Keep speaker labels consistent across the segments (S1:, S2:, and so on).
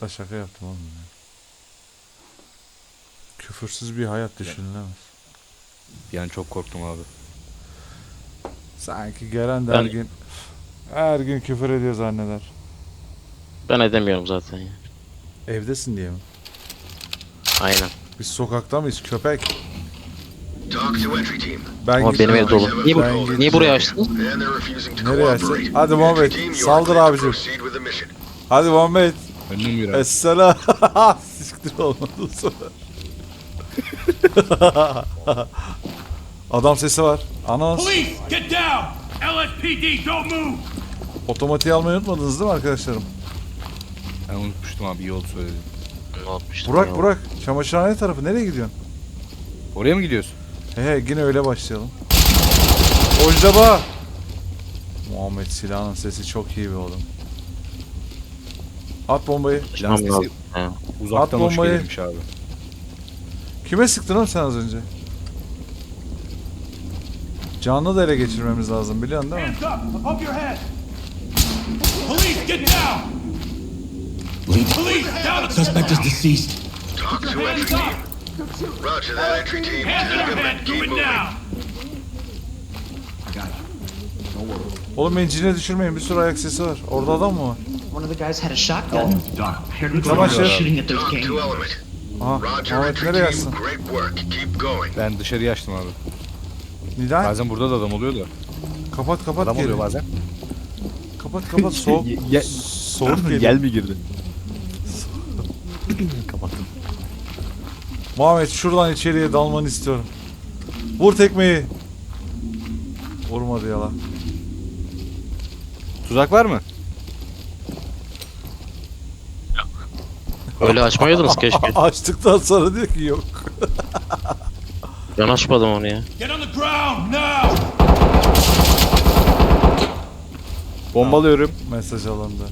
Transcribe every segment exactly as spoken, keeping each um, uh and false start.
S1: Da şaka yaptım oğlum ya. Küfürsüz bir hayat düşünülemez.
S2: Bir an çok korktum abi.
S1: Sanki gelen de
S3: Ben-
S1: her gün her gün küfür ediyor zanneder.
S3: Ben edemiyorum zaten ya.
S1: Evdesin diye mi?
S3: Aynen.
S1: Biz sokakta mıyız köpek?
S4: Talk to entry team.
S1: Ben
S3: Ama benim ev
S1: gitmiyorum.
S3: dolu. Niye,
S1: Ben
S3: bu,
S1: gittim.
S3: niye buraya açtın?
S4: And they're refusing to
S1: Nereye açsın?
S4: cooperate.
S1: Hadi Muhammed,
S4: Entry team, you are
S1: saldır
S4: cleared to
S1: abicim.
S4: proceed with the mission.
S1: Hadi Muhammed.
S2: Önüm yürü abi.
S1: Esselam. Siktir olmadı bu sefer. Adam sesi var. Anons.
S5: Police, get down! L S P D, don't move!
S1: Otomatiği almayı unutmadınız değil mi arkadaşlarım?
S2: Ben unutmuştum abi, iyi oldu söyledin.
S3: Ne yapmıştım
S1: Burak
S3: ya?
S1: Burak. Çamaşırhane tarafı nereye gidiyorsun?
S2: Oraya mı gidiyorsun?
S1: He he yine öyle başlayalım. Ojlaba. Muhammed silahının sesi çok iyi be oğlum. At bombayı.
S2: Lan
S3: Tamam abi.
S2: sesi
S3: He.
S2: uzaktan
S1: At
S2: hoş
S1: bombayı.
S2: gelirmiş abi.
S1: Kime sıktın oğlum sen az önce? Canlı da ele geçirmemiz lazım biliyorsun değil mi?
S5: Hands up, above your head! Police, get down! Police, down at the
S6: Suspect is deceased.
S4: Talk to
S5: Hands
S4: entry
S5: up!
S4: team. Roger that, entry team.
S5: Hands in
S4: Tag
S5: your
S4: them
S5: head,
S4: and
S5: do
S4: keep
S5: it
S4: moving.
S5: now!
S6: I got it.
S1: Oğlum encine düşürmeyin bir sürü ayak sesi var. Orada adam mı var?
S7: One of the guys had a shotgun.
S6: Doc, here we
S1: Tamam,
S6: go.
S1: şef.
S7: Shooting at those
S4: Talk
S7: gangs.
S4: to element.
S1: Aha
S4: Roger,
S1: Muhammed
S4: entry
S1: nereye
S4: team.
S1: yazsın?
S4: Great work. Keep going.
S2: Ben dışarıya açtım abi.
S1: Neden?
S2: Bazen burada da adam oluyor da.
S1: Kapat kapat
S2: Adam
S1: geri.
S2: oluyor bazen.
S1: Kapat kapat soğuk.
S2: Ye- ye-
S1: soğuk geliyor.
S2: Gel mi girdi? Kapattım.
S1: Muhammed şuradan içeriye dalmanı istiyorum. Vur tekmeyi. Vurmadı ya lan.
S2: Tuzak var mı?
S3: Öyle açmaydınız keşke.
S1: Açtıktan sonra diyor ki yok.
S3: Ben açmadım onu ya.
S5: Get on the ground, now!
S2: Bombalıyorum.
S1: Mesaj alındı.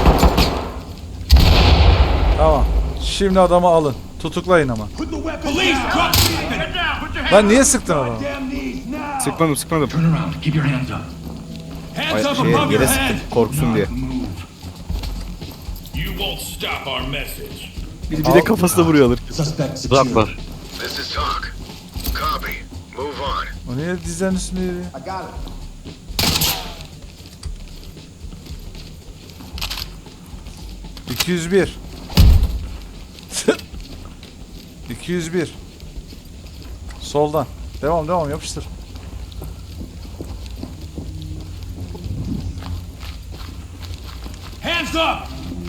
S1: Tamam. Şimdi adamı alın. Tutuklayın ama.
S5: Put the weapon Police, drop the weapon! Get down, put your hands
S1: Lan niye sıktın adamı?
S5: damn knees, now!
S2: Sıkmadım sıkmadım.
S6: Turn around. Keep your hands up.
S5: Hands
S2: Ay,
S5: up
S2: şeye,
S5: above your
S2: yere
S5: head!
S2: sıktım korksun diye.
S6: Move.
S5: You won't stop our message.
S2: Bir, bir de kafasına vuruyorlar.
S6: Suspect
S3: Tuzak
S6: secured.
S3: var.
S4: This is talk. Copy. Move on.
S1: O niye dizlerin üstünde yürüyor?
S6: I got it.
S1: iki yüz bir. iki yüz bir. Soldan. Devam devam yapıştır.
S5: Hands up!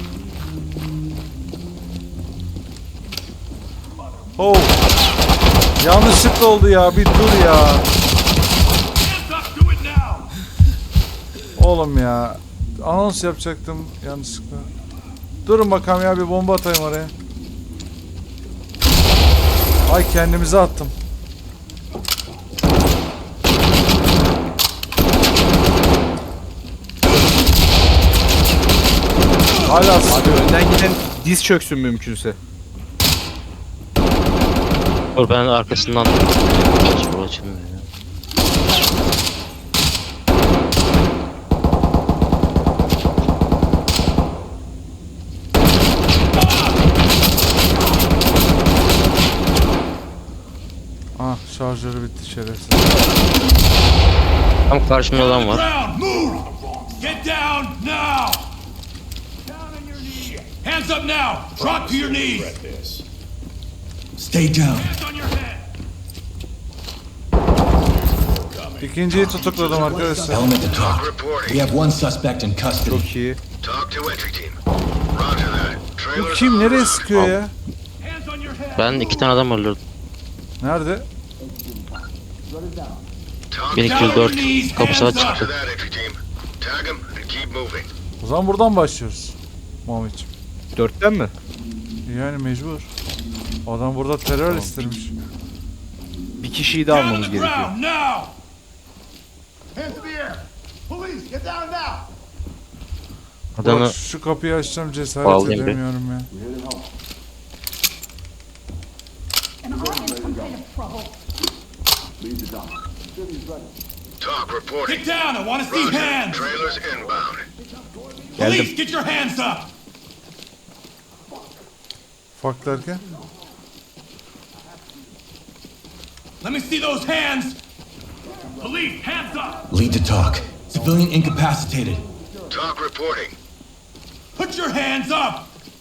S1: Oh. Yanlışlıkla oldu ya. Bir dur ya.
S5: Hands up, do it now!
S1: Oğlum ya. Anons yapacaktım yanlışlıkla. Durun bakalım ya bir bomba atayım oraya. Ay kendimize attım. Hala
S2: Abi önden giden diz çöksün mümkünse.
S3: Dur ben arkasından açma açılmıyor ya.
S1: Ah şarjörü bitti şerefsiz.
S3: Tam karşımda
S5: Down
S3: adam
S5: on the
S3: var.
S5: ground, move! Get down, now! Down on your knees! Hands up now! Drop to your knees!
S6: Stay down.
S5: Hands on your head!
S1: İkinciyi tutukladım arkadaşlar.
S6: Element to talk. We
S4: Reporting.
S6: have one suspect in custody.
S2: Çok iyi.
S4: Talk to entry team. Roger that.
S1: Bu
S4: Trailers
S1: kim
S4: on
S1: nereye
S4: route.
S1: sıkıyor ya?
S5: Hands on your head!
S3: Ben iki tane adam öldürdüm.
S1: Nerede?
S4: Talk
S3: bin iki yüz dört kapısı
S4: Roger
S3: açık.
S4: that, entry team. Tag them and keep moving.
S1: O zaman buradan başlıyoruz. Muhammedciğim.
S2: Dörtten mi?
S1: Yani mecbur. Adam burada terör istemiş.
S2: Bir kişiyi de
S5: Down on
S2: almamız
S5: the
S2: gerekiyor.
S5: ground, now!
S8: Hands in the air! Police, get down now!
S3: Adamı
S1: Bak şu kapıyı açacağım cesaret
S3: Bağlayayım bir.
S1: edemiyorum ya.
S9: And I'm in some kind of trouble.
S4: Talk reporting.
S5: Get down, I want to see
S4: Roger.
S5: hands!
S4: Trailers inbound.
S5: Police,
S2: Geldim.
S5: get your hands up!
S1: Ufak derken?
S5: Let me see those hands. Police, hands up.
S6: Lead to talk. Civilian incapacitated.
S4: Talk reporting.
S5: Put your hands up.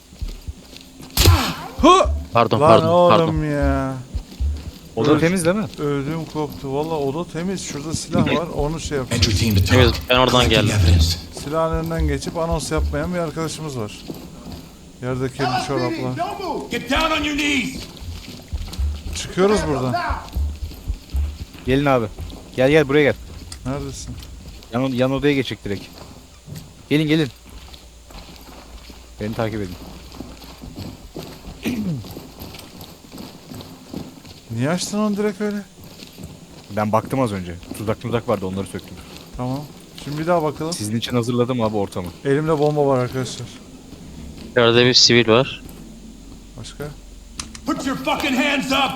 S1: Hı!
S3: Pardon
S1: Lan
S3: pardon
S1: oğlum
S3: pardon.
S1: ya.
S2: Oda temiz değil mi?
S1: Ödüm koptu. Valla oda temiz. Şurada silah var. Onu şey yapacağız.
S6: Entry team to
S3: Evet,
S6: talk.
S3: ben oradan
S6: Collecting
S3: geldim.
S6: evidence.
S1: Silahın önünden geçip anons yapmayan bir arkadaşımız var. Yerde kirli
S8: L S P D,
S1: çoraplar.
S8: don't move.
S5: Get down on your knees.
S1: Çıkıyoruz buradan.
S8: Now.
S2: Gelin abi. Gel gel buraya gel.
S1: Neredesin?
S2: Yan, yan odaya geçecek direkt. Gelin gelin. Beni takip edin.
S1: Niye açtın onu direkt öyle?
S2: Ben baktım az önce. Tuzak tuzak vardı, onları söktüm.
S1: Tamam. Şimdi bir daha bakalım.
S2: Sizin için hazırladım abi ortamı.
S1: Elimde bomba var arkadaşlar.
S3: İçeride bir sivil var.
S1: Başka?
S5: Put your fucking hands up.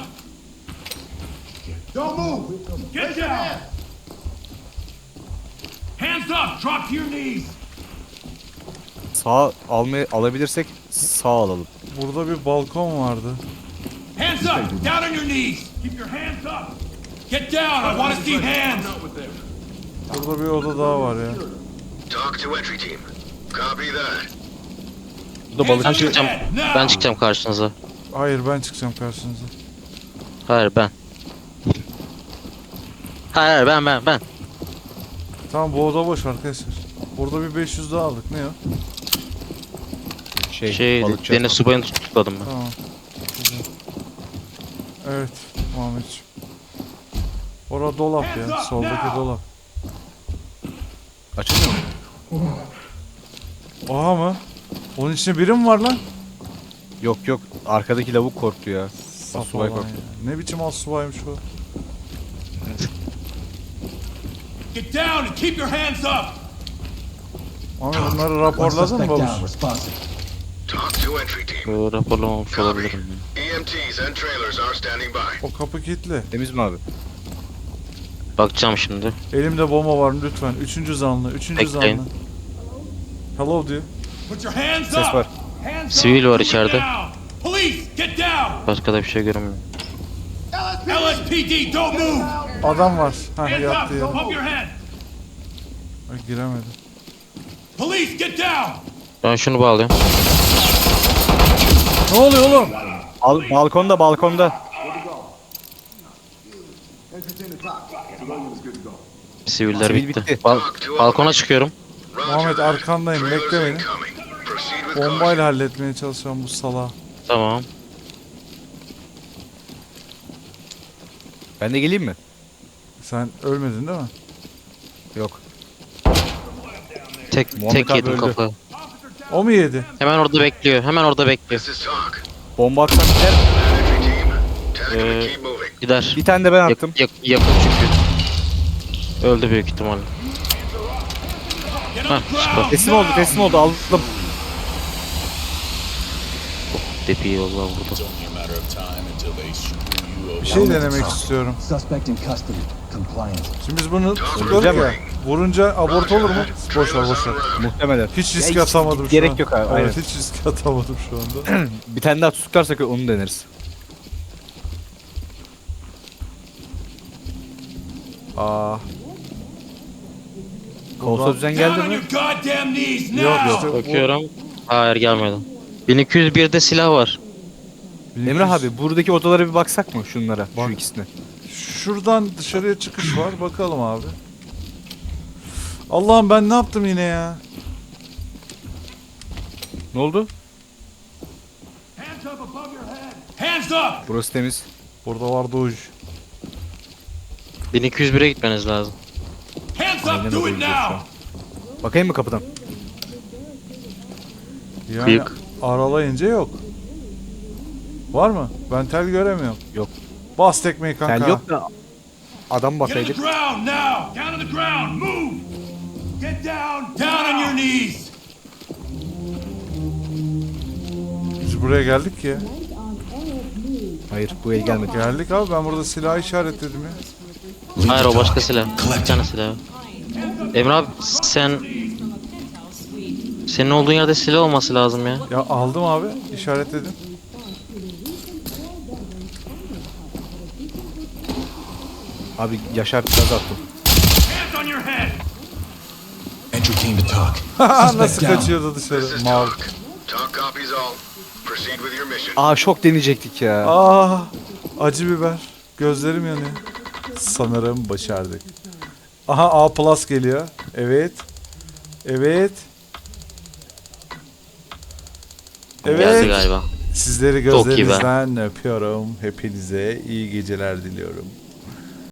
S8: Don't move.
S5: Get
S8: Raise your
S5: down.
S8: hands.
S5: Hands up. Drop to your knees.
S2: Sağ almayı alabilirsek sağ alalım.
S1: Burada bir balkon vardı.
S5: Hands up. Down on your knees. Keep your hands up. Get down. I want to see hands.
S1: Burada bir oda daha var ya.
S4: Talk to entry team. Copy that.
S2: Bu da balık.
S5: Hands on your
S3: çıkacağım.
S5: head. Now.
S3: Ben çıkacağım karşınıza.
S1: Hayır ben çıkacağım karşınıza.
S3: Hayır ben. Hayır hayır, ben ben ben.
S1: Tamam bu oda boş arkadaşlar. Burada bir beş yüz daha aldık. Ne o?
S2: Şey,
S3: Şey
S2: balıkçı.
S3: deniz subayını tutukladım ben.
S1: Tamam. Güzel. Evet Muhammedciğim. Orada dolap ya. Soldaki dolap.
S2: Açılmıyor mu?
S1: Oha mı? Onun içinde biri mi var lan?
S2: Yok yok. Arkadaki lavuk korktu ya.
S1: Saf
S2: Subay
S1: olan
S2: korktu.
S1: ya. Ne biçim asubaymış bu?
S5: Get down and keep your hands up.
S1: Ama bunları
S6: One
S1: raporladın mı
S6: suspect
S1: babuş?
S6: down, responsive.
S4: Talk to entry team.
S3: Bu raporlamamış
S4: Copy.
S3: olabilirim.
S4: E M Ts and trailers are standing by.
S1: O kapı kilitli.
S2: Temiz mi abi?
S3: Bakacağım şimdi.
S1: Elimde bomba var lütfen. Üçüncü zanlı. Üçüncü
S3: Bekleyin.
S1: zanlı. Hello diyor.
S5: Put your hands
S2: Ses
S5: up.
S2: var.
S5: Hands
S3: Sivil
S5: up.
S3: var
S5: Do it
S3: içeride.
S5: now. Police, get down.
S3: Başka da bir şey görünmüyor.
S5: L S P D, don't move.
S1: Adam var. Hah
S5: Hands
S1: yattı
S5: up.
S1: ya.
S5: Pump your head.
S1: Ay, giremedim.
S5: Police, get down.
S3: Ben şunu bağlıyorum.
S1: Ne oluyor oğlum?
S2: Al, balkonda balkonda.
S8: Entry team to talk. Civilian is good to go.
S3: Siviller
S2: Sivil
S3: bitti.
S2: bitti.
S3: Bal- balkona çıkıyorum.
S4: Roger
S1: Muhammed
S4: that.
S1: arkandayım.
S4: Trailers
S1: Bekle beni.
S4: incoming. Proceed with caution.
S1: Bombayla halletmeye çalışıyorum bu salağı.
S3: Tamam.
S2: Ben de geleyim mi?
S1: Sen ölmedin değil mi?
S2: Yok.
S3: Tek
S2: Muhammed
S3: tek
S2: abi
S3: yedim
S2: öldü.
S3: kafayı.
S1: O mu yedi?
S3: Hemen orada bekliyor. Hemen orada bekliyor.
S4: This is talk.
S2: Bomba atsam gider.
S4: Entry team. Tag
S3: Ee,
S4: and keep moving.
S3: Gider.
S2: Bir tane de ben
S3: Yak-
S2: attım.
S3: yak- yakın çünkü. Öldü büyük ihtimalle.
S5: Get
S3: Hah
S5: on the
S3: süper.
S5: ground.
S2: Teslim oldu,
S5: now.
S2: teslim oldu. Aldım.
S3: Depi yollar burada.
S1: Bir şey denemek istiyorum.
S6: Suspect in custody. Compliant.
S1: Şimdi biz bunu tutuyoruz
S2: Öleceğim
S1: ya.
S2: mi?
S1: Vurunca abort olur mu? Boş ver boş ver.
S2: Muhtemelen.
S1: Hiç risk
S2: Ya,
S1: atamadım şu
S2: gerek
S1: an.
S2: yok abi, aynen.
S1: Evet hiç risk atamadım şu anda.
S2: Bir tane daha tutuklarsak onu deneriz.
S1: Aa.
S2: Kolsa düzen
S5: Down
S2: geldi
S5: on
S2: mi?
S5: your goddamn knees now.
S1: Yok işte bu-
S3: Bakıyorum. Hayır gelmedi. bin iki yüz birde silah var.
S2: Emrah abi buradaki odalara bir baksak mı şunlara?
S1: Bak.
S2: Şu ikisine.
S1: Şuradan dışarıya çıkış var. Bakalım abi. Allah'ım ben ne yaptım yine ya?
S2: Ne oldu?
S5: Hands up above your head. Hands up.
S2: Burası temiz.
S1: Burada var Doge.
S3: bin iki yüz bire gitmeniz lazım.
S5: Hands
S2: Aynen
S5: up. Do
S2: oraya
S5: it
S2: gidiyoruz şu an.
S5: now.
S2: Bakayım mı kapıdan?
S1: Yani
S3: Kıyık.
S1: aralayınca yok. Var mı? Ben tel göremiyorum.
S2: Yok.
S1: Bas tekmeyi kanka.
S2: Tel yok da adam
S5: Get on the
S2: bakaydık.
S5: ground now. Down on the ground. Move. Get down. Down on your knees.
S1: Biz buraya geldik ya.
S2: Hayır bu el gelmedi.
S1: Geldik abi ben burada silah işaretledim ya.
S6: Lead
S3: Hayır
S6: to
S3: o başka
S6: talk.
S3: silah. Bir
S6: Collecting.
S3: tane silah. Emre abi sen Senin olduğun yerde silah olması lazım ya.
S1: Ya aldım abi. İşaretledim.
S2: Abi Yaşar gaz attım.
S5: Hands on your head!
S6: Entry came to talk.
S1: Nasıl
S6: Suspect down.
S1: kaçıyordu
S4: This
S1: dışarı?
S4: is
S1: Mal.
S4: Talk. Talk copies all. Proceed with your mission.
S2: Aa şok deneyecektik ya.
S1: Ah, acı biber. Gözlerim yanıyor. Sanırım başardık. Aha A plus geliyor. Evet. Evet.
S3: Geldi
S1: Evet.
S3: galiba.
S1: Sizleri
S3: Çok iyi be.
S1: gözlerinizden öpüyorum. Hepinize iyi geceler diliyorum.